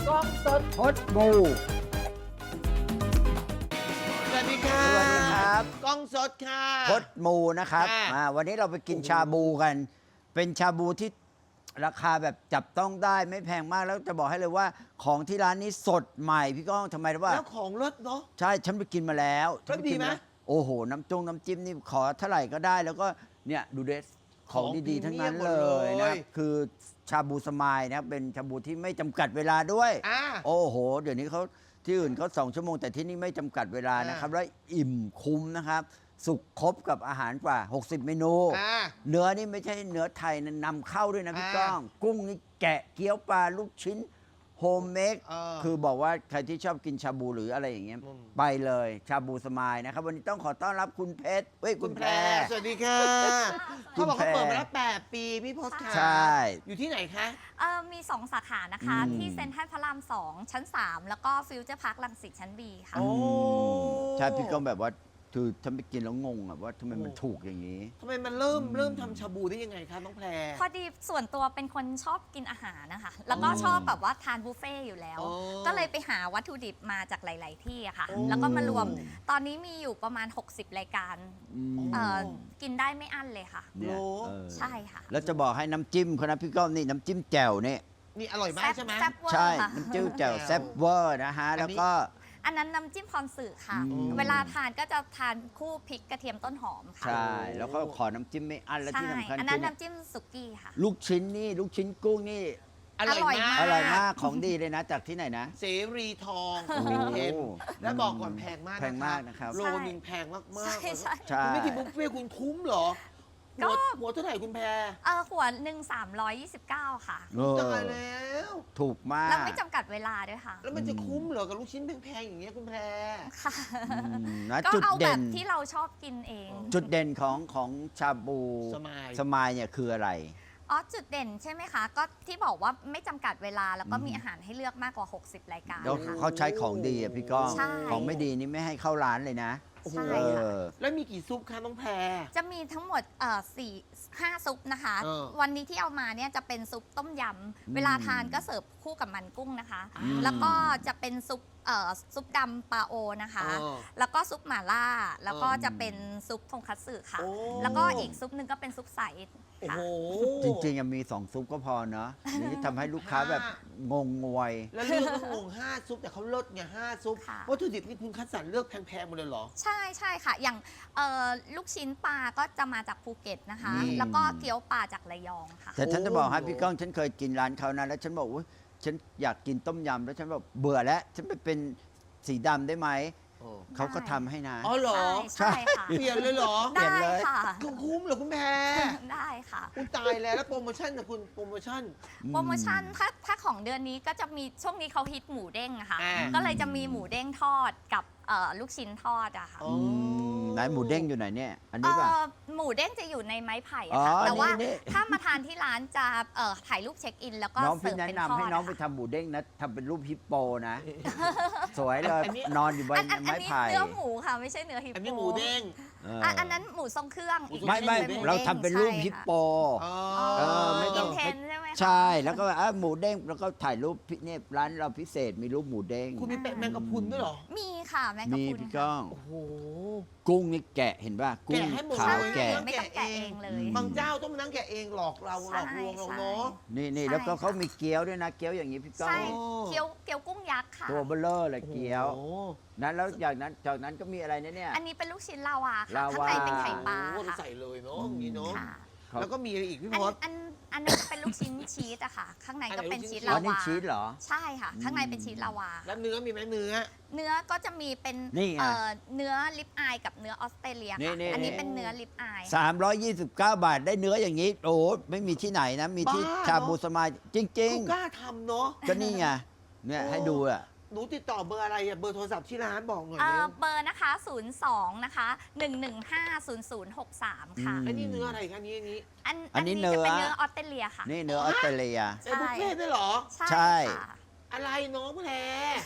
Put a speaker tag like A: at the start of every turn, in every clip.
A: กล้องสด
B: พดมู
A: สวัสดีค่ะ
B: สวัสดีครับ
A: กล้องสดค่ะ
B: พดมูนะครับ
A: ค่ะ
B: วันนี้เราไปกินชาบูกัน เป็นชาบูที่ราคาแบบจับต้องได้ไม่แพงมากแล้วจะบอกให้เลยว่าของที่ร้านนี้สดใหม่พี่ก้องทำไมรู้ว่า
A: แล้วของรสเนาะ
B: ใช่ฉันไปกินมาแล้ว
A: รสดีไหม
B: ฉันปกินาโอ้โหน้ำจิ้มนี่ขอเท่าไหร่ก็ได้ แล้วก็เนี่ยดูเดสของดีๆทั้งนั้นเลยนะครับคือชาบูสมายนะครับเป็นชาบูที่ไม่จำกัดเวลาด้วย
A: อ่า
B: โอ้โห เดี๋ยวนี้เขาที่อื่นเขา2 ชั่วโมงแต่ที่นี่ไม่จำกัดเวลานะครับ แล้วอิ่มคุ้มนะครับ สุกครบกับอาหารกว่า 60 เมนู
A: อ่า
B: เนื้อนี่ไม่ใช่เนื้อไทยนะนำเข้าด้วยนะพี่
A: อ่า
B: ก้อง กุ้งนี่แกะเกี๊ยวปลาลูกชิ้นโฮมเมค คือบอกว่าใครที่ชอบกินชาบูหรืออะไรอย่างเงี้ย
A: อืม
B: ไปเลยชาบูสมายนะครับ วันนี้ต้องขอต้อนรับคุณเพชรเฮ้ย คุณแพร
A: สวัสดีค่ะ
B: คุ
A: เขา
B: ณ
A: บอกเขา
B: แพร
A: เปิดมาแล้ว8 ปีพี่พศค่ะ
B: ใช่
A: อยู่ที่ไหนคะ
C: มี 2 สาขานะคะ
B: อืม
C: ที่เซ็นทรัลพระราม 2 ชั้น 3 แล้วก็ฟิวเจอร์พาร์คลังสิตชั้น B ค่ะ
A: โอ้
B: ใช่พี่ก้องแบบว่าคือฉันไปกินแล้วงงอะว่าทำไมมันถูกอย่างนี้
A: ทำไมมันเริ่มทำชาบูได้ยังไงคะน้องแพร
C: พอดีส่วนตัวเป็นคนชอบกินอาหารนะคะ แล้วก็ชอบแบบว่าทานบุฟเฟ่ต์อยู่แล้ว
A: อ๋อ
C: ก็เลยไปหาวัตถุดิบมาจากหลาย ๆ ที่อะค่ะ
A: โอ้
C: แล้วก็มารวม ตอนนี้มีอยู่ประมาณ 60 รายการ
B: อืม
C: กินได้ไม่อั้นเลยค่ะ
B: เนี่ย
A: โอ้
C: ใช่ค่ะ
B: แล้วจะบอกให้น้ำจิ้มเขานะพี่ก้องนี่น้ำจิ้มแจ่วเนี่ย
A: นี่อร่อยมากใช่ไหม
C: แซ่บเวอ
B: ใช่
C: ร์ค่ะ
B: น้ำจิ้มแจ่วแซ่บเวอร์นะฮะ
A: อันนี้
B: แล้วก็
C: อันนั้นน้ำจิ้มพรสื่อค่ะ
B: อืม
C: เวลาทานก็จะทานคู่พริกกระเทียมต้นหอมค่ะ
B: ใช่ แล้วก็ขอน้ำจิ้มไม่อั้นและ
C: ใช่
B: ที่สำคัญ
C: อัน
B: คื
C: นั้
B: อน
C: น้ำจิ้มสุกี้ค่ะ
B: ลูกชิ้นนี่ลูกชิ้นกุ้งนี่
A: อร่อยมาก
B: อร่อยมากของดีเลยนะจากที่ไหนนะ
A: เสรีทองสุวินเทน
B: โอ้
A: และบอกก่อนแพงมาก
B: แพงมากนะครับ
A: โลนึงแพงมาก
C: ใช่
A: ๆ
C: ใช่
B: ใช่
A: คุณไม่กินบุฟเฟ่ต์คุณคุ้มเหรอ
C: ก็
A: หัวเท่าไหร่คุณแพร
C: หัวหนึ่ง329 ค่ะ
B: เออ
A: ตายแล้ว
B: ถูกมาก
C: แล้วไม่จำกัดเวลาด้วยค่ะ
A: แล้วมันจะคุ้มเหรอกับลูกชิ้นแพงๆอย่างเงี้ยคุณแพร
C: ค่ะ
B: นะ
C: ก็
B: จุด
C: เอาแบ
B: เด่
C: บ
B: น
C: ที่เราชอบกินเอง
B: จุดเด่นของชาบู
A: สมาย
B: สมายเนี่ยคืออะไร
C: จุดเด่นใช่ไหมคะ ก็ที่บอกว่าไม่จำกัดเวลาแล้วก็
B: อืม
C: มีอาหารให้เลือกมากกว่า 60 รายการ
B: แล้ว
C: ค่ะ
B: เขาใช้ของดีอะพี่ก้อง
C: ใช่
B: ของไม่ดีนี่ไม่ให้เข้าร้านเลยนะ
C: ใช่
B: เอ
C: ค่ะ
B: อ
A: แล้วมีกี่ซุปคะน้องแพร
C: จะมีทั้งหมด5 ซุปนะคะ
A: เออ
C: วันนี้ที่เอามาเนี่ยจะเป็นซุปต้มยำ เวลาทานก็เสิร์ฟคู่กับมันกุ้งนะคะ
B: อืม
C: แล้วก็จะเป็นซุปดำปลาโอนะคะ
A: เออ
C: แล้วก็ซุปหม่าล่า แล้วก็
B: เออ
C: จะเป็นซุปทงคัตสึค่ะ
A: โอ้
C: แล้วก็อีกซุปหนึ่งก็เป็นซุปใส
A: โอ้
C: ค่ะ
A: โห
B: จริงๆอะมี2 ซุปก็พอเนาะนี่ทำให้ลูกค้าแบบงงงวย
A: แล้วเลือกต้องงง5 ซุปแต่เขาลดไง5 ซุป
C: ค่ะ
A: วัตถุดิบนี่คุณคัดสรรเลือกแพงๆหมดเลยเหรอ
C: ใช่ใช่ค่ะ อย่างลูกชิ้นปลาก็จะมาจากภูเก็ตนะคะ
A: นี่
C: แล้วก็เกี๊ยวปลาจากระยองค่ะ
B: แต่ฉันจะบอกให้
A: โอ้
B: พี่ก้องฉันเคยกินร้านเขานะแล้วฉันบอกว่าฉันอยากกินต้มยำแล้วฉันแบบเบื่อแล้ว ฉันไปเป็นสีดำได้ไหม
A: โอ้
B: เขาก็ทำให้นะ
A: อ๋อเหรอ
C: ใช่ค่ะ
A: เปลี่ยนเลยเหรอ
B: เปลี่ยน
C: ได้
B: เลย
C: ค่ะ
A: คุ้มเหรอคุณแพร
C: ได้ค่ะ
A: คุณตายแล้วโปรโมชั่นนะคุณโปรโมชั่น
C: โปรโมชั่นถ้าของเดือนนี้ก็จะมีช่วงนี้เขาฮิตหมูเด้งอะค่ะ
A: อ่า
C: ก็เลยจะมีหมูเด้งทอดกับลูกชิ้นทอดอะค่ะ
A: อ๋อ
B: ไหนหมูเด้งอยู่ไหนเนี่ย อันนี้ป่ะ
C: หมูเด้งจะอยู่ในไม้ไผ่
B: อ๋
C: อะ
B: อ
C: ค่ะแต่ว่า
B: นี่
C: ถ้ามาทานที่ร้านจะถ่ายรูปเช็คอิน แล้วก็
B: น้อง
C: เสิ
B: พี่
C: ร์ฟ
B: แนะ
C: เป็น
B: นำ
C: ทอ
B: ให้
C: ด
B: น้องไป
C: อะ
B: ทำ
C: ค่ะ
B: หมูเด้งนะทำเป็นรูปฮิปโปนะ สวยเลย
A: อันนี้
B: นอนอยู่บน
C: อัน
B: ไม้
C: นี้
B: ไผ่
C: เนื้อหมูค่ะไม่ใช่เนื้อฮิปโป
A: อันนี้หมูเด้ง
B: เออ
C: อันนั้นหมูทรงเครื่องอีก
B: ไม่ไม่
C: อันหนึ่ง
B: เรา
C: ด้ง
B: ทำเป็นรูป
C: ใช่
B: ฮิป
C: ค่ะ
B: โป
A: อ๋อ
B: เออไม่ต้
C: อิ
B: อง
C: นเทนใช่ไหมคะ
B: ใช่แล้วก็หมูเด้งแล้วก็ถ่ายรูปเนี่ยร้านเราพิเศษมีรูปหมูเด้ง
A: คุณมีแมงกะพรุนด้วยเหรอ
C: มีค่ะแมงกะ
B: มี
C: พรุน
B: พี่
C: ค่ะ
B: ก้อง
A: โอ้โห
B: กุ้งนี่แกะเห็นป่ะกุ้ง
A: แกะให้หมด
B: ขาว
A: เลย
B: แกะ
C: ไม่ต้องแกะเองเลย
A: บางเจ้าต้องมานั่งแกะเองหลอกเราหลอกลวงเราเนาะ
B: นี่
C: ใช่
B: แล้วก็
C: ค่ะ
B: เขามีเกี๊ยวด้วยนะเกี๊ยวอย่างนี้พี่ก้อง
C: ใช่
A: โอ้
C: เกี๊ยวกุ้งยักษ์ค่ะ
B: ตัวเบลเลอร์เลยเกี๊ยว
A: โอ้โห
B: นั้นแล้วจากนั้นก็มีอะไรนะเนี่ย
C: อันนี้เป็นลูกชิ้นลาวาค่ะ
B: ลาวา
C: ข้างในเป็นไข่ปลา
A: โอ้โห
C: ค่ะ
A: ใส่เลยเนาะอย่างนี้เนาะ
C: ค่ะ
B: ครับ
A: แล้วก็มีอะไรอีกพี่
C: อัน
A: พศ
C: อันนั้นจะเป็นลูกชิ้นชีสอะค่ะ ข้างในก็เป็นชีส
B: อ๋
C: ลา
B: อนี่
C: วา
B: ชีสเหรอ
C: ใช่ค่ะ ข้างในเป็นชีสลาวา
A: แล้วเนื้อมีไหมเนื้อ
C: เนื้อก็จะมีเป็น
B: นี่ไง
C: เนื้อลิปอายกับเนื้อออสเตรเลีย
B: นี่
C: ค่ะ
B: นี่
C: อันนี้เป็นเนื้อลิปอาย
B: 329 บาทได้เนื้ออย่างนี้ โอ้โหไม่มีที่ไหนนะ มีที่
A: บ้า
B: ชาบูสมายจริง
A: เขากล้าทำเนาะ
B: ๆ ก็นี่ไงเนี่ยให้ดูอ่ะ
A: หนูติดต่อเบอร์อะไรอะเบอร์โทรศัพท์ที่ร้านบอกหน่อย
C: เอ่
A: เร็
C: อ
A: ว
C: เบอร์นะคะ 02 นะคะ 1150063 ค่ะ
B: อืม
A: ไอ้นี่เนื้ออะไรคะนี่อันนี้
B: อันนี้
C: จะ
B: เนื้อ
C: เป็นเนื้อออสเตรเลียค่ะ
B: นี่เนื้อออสเตรเลีย
C: ใช่
A: ไอ้บุฟเฟ่ต์ด้วยเหรอ
C: ใช่
B: ใช่
C: ค่ะ
A: อะไรน้องแพร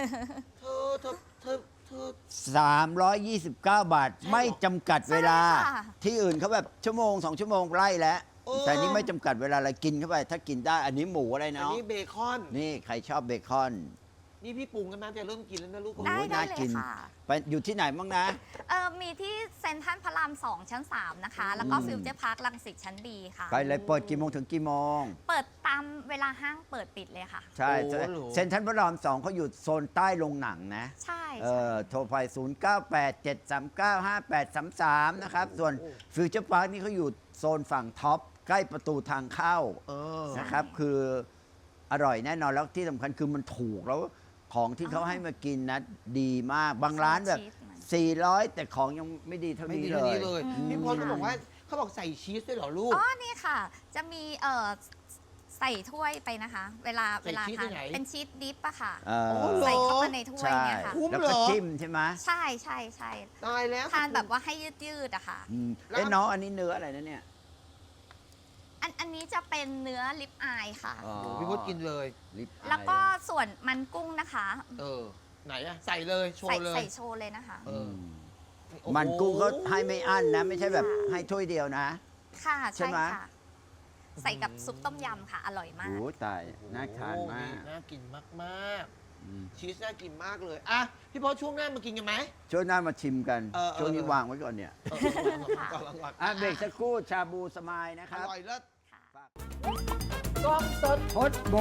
A: เธอ
B: 329 บาท ไม่จำกัดเวลา
C: ใช่ค่ะ
B: ที่อื่นเขาแบบชั่วโมง 2 ชั่วโมงไล่แล้ว
A: โอ้
B: แต่นี่ไม่จำกัดเวลาอะไรกินเข้าไป ถ้ากินได้อันนี้หมูอะไร
A: อัน
B: เนาะ
A: นี้เบคอน
B: นี่ใครชอบเบคอน
A: นี่พี่ปรุงกันนะจะเริ่มกินแล้วนะลูก
B: โอ้
C: ได้
B: ย
C: ได้
B: น่า
C: เล
B: กิ
C: ย
B: น
C: ค่ะ
B: ไปอยู่ที่ไหนบ้างนะ
C: มีที่เซ็นทรัลพระราม 2 ชั้น 3 นะคะ แล้วก็ฟิวเจอร์พาร์ครังสิตชั้นดีค่ะ
B: ไปเลยเปิดกี่โมงถึงกี่โมง
C: เปิดตามเวลาห้างเปิดปิดเลยค่ะ
B: ใช่
A: โอ้โห
B: เซ็นทรัลพระราม2เขาอยู่โซนใต้โรงหนังนะ
C: ใช่
B: โทรไป 0987395833 นะครับ ส่วนฟิวเจอร์พาร์คนี่เขาอยู่โซนฝั่งท็อป ใกล้ประตูทางเข้า
A: เออ
B: นะครับ คืออร่อยแน่นอน แล้วที่สำคัญคือมันถูกแล้วของที่เขาให้มากินนะดีมาก บางร้านแบบ 400 แต่ของยังไม่ดีเท่า
A: ไม่
B: นี้
A: ดี
B: เล
A: เท่านี้
B: ย
A: เลย
C: อืม
A: พี่พลเขาบอกว่าเขาบอกใส่ชีสด้วยเหรอลูก
C: อ๋อ นี่ค่ะ จะมีใส่ถ้วยไปนะคะ เวลา
A: ใส่ชีส
C: ทา
A: ที่
C: น
A: ไหน
C: เป็นชีสดิปอะค่ะ
B: เออ
A: โอ้โห
C: ใส่เข้ามาในถ้วย
B: ใช่
C: เนี่ยค่ะ
A: คุ้ม
B: แล้ว
A: เหร
B: ก็
A: อ
B: จิ้มใช่ไหม
C: ใช่ใช่ใช่
A: ตายแล้ว
C: ทานแบบว่าให้ยืดๆอะค่ะ
B: อืม
A: แล้ว
B: เอ้น้องอันนี้เนื้ออะไรนะเนี่ย
C: อันนี้จะเป็นเนื้อลิปอายค่ะ
B: อ๋อ
A: พี่พลกินเลย
B: ลิปอาย
C: แล้วก็ส่วนมันกุ้งนะคะ
A: เออ ไหนอะใส่เลยโช
C: ใส่
A: ว์เลย
C: ใส่โชว์เลยนะคะ
A: เออ โอ้โห
B: มันกุ้งเขาให้ไม่อั้นนะ ไม่ใช่แบบให้ถ้วยเดียวนะ
C: ค่ะ
B: ใช่
C: ใช่
B: ไหม
C: ค่ะ ใส่กับซุปต้มยำค่ะ อร่อยมาก
B: โอ้ตาย น่าทานมาก
A: น่ากินมาก
B: อืม
A: ๆชีสน่ากินมากเลยอ่ะพี่พลช่วงหน้ามากินกันไหม
B: ช่วงหน้ามาชิมกัน
A: เออ
B: ช่วงนี้
A: เออ
B: วางไว้ก่อนเนี่ย
A: เออก่อน
B: อ่ะเบรกสักครู่ชาบูสมายนะค
A: อ
B: รับ
A: ร่อยเลิศ
C: ค่ะ
A: กล้องสด
B: พดบู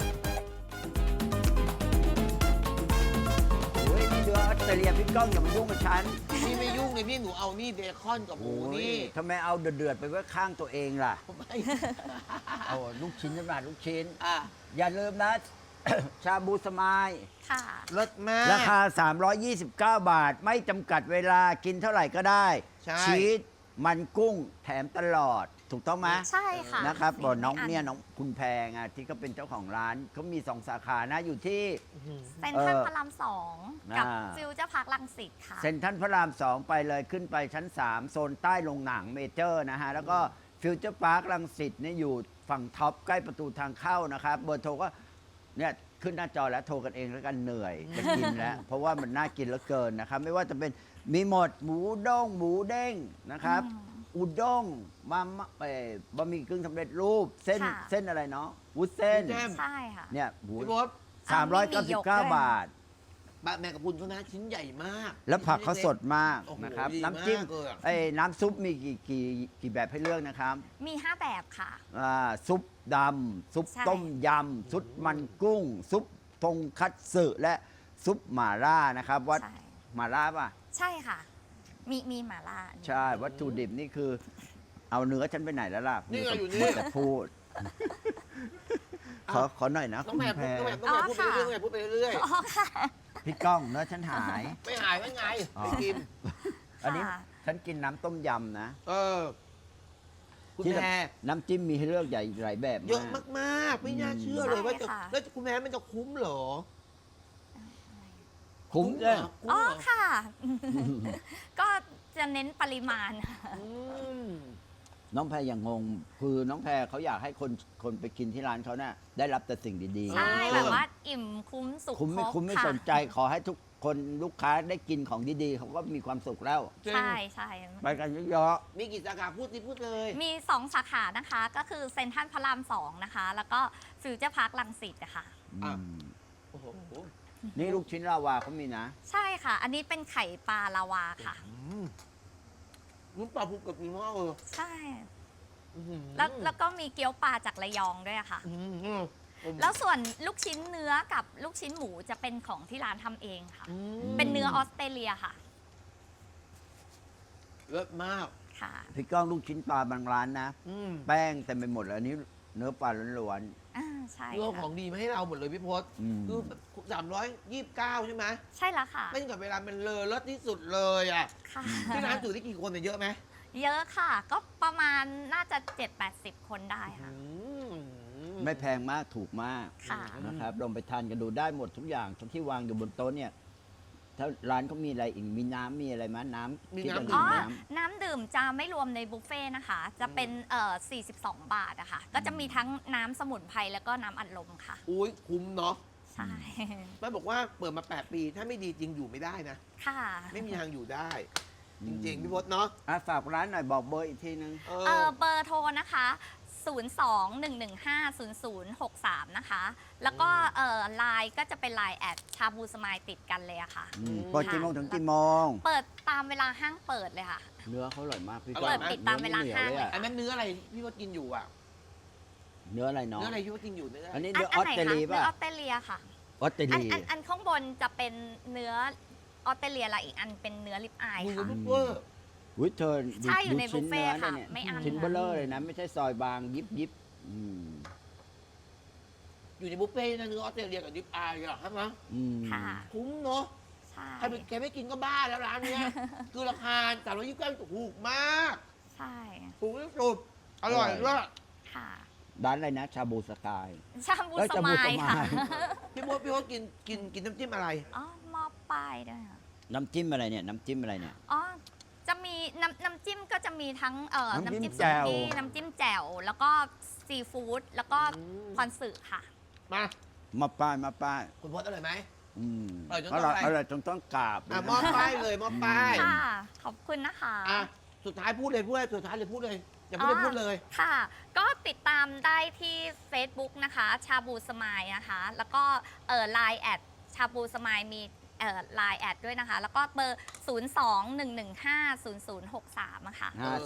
B: โอ้ยนี่เดือออสเตรเลียพี่ก้องอย่ามายุ่งกับฉัน
A: พี่ไม่ยุ่งเลยพี่หนูเอานี่เบคอนกับหมู
B: โอ้ย
A: นี่
B: ทำไมเอาเดือดๆไปไว้ข้างตัวเองล่ะ
A: ไม่
B: เอาลูกชิ้นน้ำลายลูกชิ้น
A: อ่ะ
B: อย่าลืมนะ ชาบูสมาย
C: ค่ะ
A: เลิศมาก
B: ราคา 329 บาท ไม่จำกัดเวลากินเท่าไหร่ก็ได้
A: ใช่
B: ชีสมันกุ้งแถมตลอด ถูกต้องไหม
C: ใช่ค่ะ
B: นะครับบอกน้อง
C: ไม่
B: เนี่ยน้องคุณแพงอ่ะที่เขาเป็นเจ้าของร้านเขามี 2 สาขานะ อยู่ที่
C: เซ็นทรัลพระราม 2 กับ
B: อ่า
C: ฟิวเจอร์พาร์ครังสิตค่ะ
B: เซ็นทรัลพระราม 2 ไปเลยขึ้นไปชั้น 3 โซนใต้โรงหนังเมเจอร์นะฮะ แล้วก็ฟิวเจอร์พาร์ครังสิตเนี่ยอยู่ฝั่งท็อปใกล้ประตูทางเข้านะครับ เบอร์โทรก็เนี่ยขึ้นหน้าจอแล้วโทรกันเองแล้วกันเหนื่อยจะกินแล้ว เพราะว่ามันน่ากินเหลือเกินนะครับ ไม่ว่าจะเป็นมีหมดหมูด้งหมูเด้งนะครับ อุด้งมาม่าบะหมี่กึ่งสำเร็จรูปเส้น
C: ค่ะ
B: เส้นอะไรเนาะวุ้นเส้น
A: แจ่ม
C: ใช่ค่ะ
B: เนี่ยหมู
A: พี่พศ
B: 399 บาท
A: บะแมงกะพรุนเขานะชิ้นใหญ่มาก
B: แล้วผักเขาสดมาก
A: โอ้โห
B: นะครับ
A: ดี
B: น้ำจิ้ม
A: มากเลยอะ
B: น้ำซุปมีกี่แบบให้เลือกนะครับ
C: มี 5 แบบค่ะ
B: ซุปดำซุป
C: ใช่
B: ต้มยำซุปมันกุ้ง ซุปทงคัตสึและซุปหม่าล่านะครับวัด
C: ใช่
B: หม่าล่าป่ะ
C: ใช่ค่ะ มีหม่าล่า
B: ใช่ วัตถุดิบนี่คือ เอาเนื้อฉันไปไหนแล้วล่ะ
A: นี่ไงอยู่นี่
B: มัวแต่พูด ขอหน่อยนะ
A: น้องแม่
B: คุณ
A: พูด
B: แพร
A: น้องแม่พูดไปเรื่อยๆพูดไปเรื่อย
C: อ๋อค่ะ
B: พี่ก้องเนื้อฉันหาย
A: ๆไม่หายไม่ไง
B: อ๋อ
A: ไม่กิน
B: อันนี้
C: ค่ะ
B: ฉันกินน้ำต้มยำนะ
A: เออ คุณ
B: ที่
A: แม่
B: น้ำจิ้มมีให้เลือกใหญ่หลายแบบ
A: เยอะ
B: มาก
A: มากๆ ไม่น่าเชื่อเลยว่าจะ
C: ใช่ค่ะ
A: แล้วคุณแม่มันจะคุ้มเหรอ
B: คุ้ม
A: เห
B: เล
A: ร
B: ย
A: คุ้ม
C: อ๋อ
A: เหรอ
C: ค่ะ ก็จะเน้นปริมาณ
A: อืม
B: น้องแพรอย่างงง คือน้องแพรเขาอยากให้คนไปกินที่ร้านเขาเนี่ยได้รับแต่สิ่งดีๆ
C: ใช่แบบว่าอิ่มคุ้มสุข
B: คุ้มไม่
C: ครบ
B: คุ้มไม่
C: ค่ะ
B: สนใจขอให้ทุกคนลูกค้าได้กินของดีๆเขาก็มีความสุขแล้ว
A: จริง
C: ใช่ใช่
B: ไปกันเยอะ
A: มีกี่สาขาพูดสิพูดเลย
C: มี 2 สาขานะคะ ก็คือเซ็นทรัลพระราม 2 นะคะ แล้วก็ฟิวเจอร์พาร์ครังสิตนะคะ
B: ๆ
A: อ่ะ
B: อืม
A: โอ้โห
B: นี่ลูกชิ้นลาวาเขามีนะ
C: ใช่ค่ะ อันนี้เป็นไข่ปลาลาวาค่ะ
A: นุ่มปลาภูเก็ตมีมากเลย
C: ใช่
A: อื้อหือ
C: แล้วก็มีเกี๊ยวปลาจากระยองด้วยอะค่ะ
A: อื้อหือ
C: แล้วส่วนลูกชิ้นเนื้อกับลูกชิ้นหมูจะเป็นของที่ร้านทำเองค่ะ
A: อืม
C: เป็นเนื้อออสเตรเลียค่ะ
A: เลิศมาก
C: ค่ะ
B: พี่ก้องลูกชิ้นปลาบางร้านนะ
A: อืม
B: แป้งเต็มไปหมดเลยอันนี้เนื้อปลาล้วน
C: อ่าใช่
A: เรื่องข
C: ค่ะ
A: องดีมาให้เราหมดเลยพี่พศ
B: อืม
A: คือ329 ใช่ไหม
C: ใช่แล้วค่ะ
A: ไม่กับเวลามันเลอเลิศที่สุดเลยอ่ะ
C: ค่ะ
A: ที่ร้านถือได้กี่คนเนี่ยเยอะไหม
C: เยอะค่ะ ก็ประมาณน่าจะ 7-80 คนได้ค่ะ
A: อืม
B: ๆ ไม่แพงมากถูกมาก
C: ค่ะ
B: นะครับลองไปทานกันดูได้หมดทุกอย่างทั้งที่วางอยู่บนโต๊ะเนี่ย ถ้าร้านเขามีอะไรอีกมีน้ำมีอะไรมั้ยน้ำที่จะดื่
C: อ๋อ
B: มน้
C: น้ำดื่มจะไม่รวมในบุฟเฟ่ต์นะคะ จะเป็น42 บาทอะค่ะ ก็จะมีทั้งน้ำสมุนไพรแล้วก็น้ำอัดลมค่ะ
A: อุ้ยคุ้มเนาะ
C: ใช่
A: แม่บอกว่าเปิดมา 8 ปี ถ้าไม่ดีจริงอยู่ไม่ได้นะ
C: ค่ะ
A: ไม่มีทางอยู่ได้ จริงๆ พี่พศเนาะ
B: ำฝากร้านหน่อยบอกเบอร์อีกทีนึง
A: เอ
C: เบ
A: อ
C: อร์โทรนะคะ 086 02-115-0063 นะคะ แล้วก็ไลน์ก็จะเป็นไลน์แอดชาบูสมายติดกันเลยอะค่ะ
B: เปิดกี่โมงถึงกี่โมง
C: เปิดตามเวลาห้างเปิดเลยค่ะ
B: เนื้อเขาอร่อยมากพี่
A: เปิดปิด
C: ตามเวลา
B: นื้อ
C: ห้าง
B: หนียว
C: เลย
B: อะ
A: อันนั้นเนื้ออะไรพี่ว่ากินอยู่อ่ะ
B: เนื้ออะไรเนาะ
A: เนื้ออะไรพี่ว่ากินอยู่เนื้อ
B: อันนี้
C: อั
B: เนื้อออส
C: ไหน
B: เตร
C: คะ
B: เลีย
C: เนื้
B: ป่ะ
C: อออสเตรเลียค่ะ
B: ออสเตร
C: อัน
B: เลีย
C: อันข้างบนจะเป็นเนื้อออสเตรเลียและอีกอันเป็นเนื้อลิปอาย
A: มึง
C: ค่ะ
A: ซุปเปอร์
B: อุ้ยเธอ
C: ใช่อยู่ใน
B: ชิ้
C: บุฟเฟ่ต์
B: นื้
C: ค่ะ
B: เนี่ย
C: ไม่อั้น
B: ชิ้นเบลเลอร์เลยนะ ไม่ใช่ซอยบางยิบยิบอืม
A: อยู่ในบุฟเฟ่ต์นะเนื้อออสเตรเลียกับดิปอายอ่ะใช่ไหม
B: อืม
C: ค่ะ
A: คุ้มเนาะ
C: ใช่
A: ใครแกไม่กินก็บ้าแล้วร้านเนี้ย คือราคา329ถูกมาก
C: ใช่
A: ถูกที่สุดอร่อยด้วย
C: ค่ะ
B: ร้านอะไรนะ ชาบูสกาย
C: ชาบู
B: เอ้ย
C: ส
B: ชาบู
C: มาย
B: สมาย
C: ค่ะ
A: พี่มดกินน้ำจิ้มอะไร
C: อ๋อหมอป้ายด้วยค่ะ
B: น้ำจิ้มอะไรเนี่ย น้ำจิ้มอะไรเนี่ย
C: อ๋อ จะมีน้ำจิ้มก็จะมีทั้ง
B: น้ำจิ้ม
C: น้ำจิ้ม
B: แจ่
C: สุ
B: ว
C: กี้น้ำจิ้มแจ่ว แล้วก็ซีฟู้ด แล้วก็
A: อืม
C: คอนสึค่ะ
A: มา
B: มาป้ายมาป้าย
A: คุณพดอร่อยไหม
B: อืม
A: อร่อยจน
B: อ
A: ต้อง
B: ร่อย
A: อะไร
B: อร่อยจนต้องกราบเลย
A: อ่ะ
B: นะ
A: มอบป้ายเลยมอบป้าย
C: ค่ะ ขอบคุณนะคะ
A: อ่ะสุดท้ายพูดเลยสุดท้ายเลยพูดเลยอย่าพูดเลยพูดเลย
C: ค่ะ ก็ติดตามได้ที่ Facebook นะคะ ชาบูสมายนะคะ แล้วก็ไลน์แอดชาบูสมายมีไลน์แอดด้วยนะคะ แล้วก็เบอร์ 02-115-0063อะค่ะ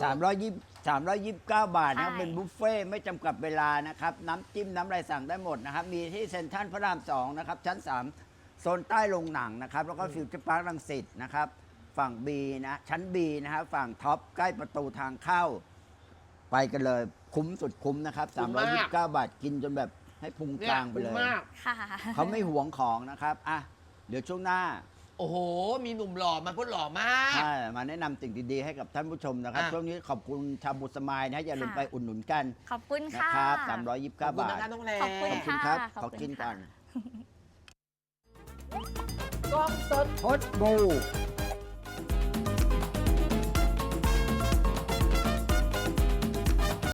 B: 329 บาทนะครับ
C: ใช่
B: เป็นบุฟเฟ่ต์ไม่จำกัดเวลานะครับ น้ำจิ้มน้ำอะไรสั่งได้หมดนะครับ มีที่เซ็นทรัลพระราม 2 นะครับ ชั้น 3 โซนใต้โรงหนังนะครับ แล้วก็ฟิวเจอร์พาร์ครังสิตนะครับ ฝั่ง B นะ ชั้น B นะครับ ฝั่งท็อปใกล้ประตูทางเข้า ไปกันเลยคุ้มสุดคุ้มนะครับ
A: คุ้มมาก
B: 329 บาทกินจนแบบให้พุง
A: เนี่
B: ก
A: ย
B: ลางไปเล
A: คุ้ม
B: ย
A: มาก
C: ค่ะ
B: เขาไม่หวงของนะครับอ่ะเดี๋ยวช่วงหน้า
A: โอ้โห มีหนุ่มหล่อมาพูดหล่อมาก
B: ใช่มาแนะนำสิ่งดีๆให้กับท่านผู้ชมนะครับ
A: อ่ะ
B: ช่วงนี้ขอบคุณชาบูสมายนะอย่าลืม
C: ค่ะ
B: ไปอุดหนุนกัน
C: ขอบคุณ
B: นะ
C: ค่ะ
B: ครับ329
A: ขอบคุณ
B: บาท
A: นะคะน้องแร
C: ขอบคุณ
B: ขอบคุณ
C: ค่ะ
B: ครับ
C: ขอบ
B: ขอ
C: คุณ
B: กิน
C: ค่ะ
B: ก่อน
A: กล้องสด
B: พดบู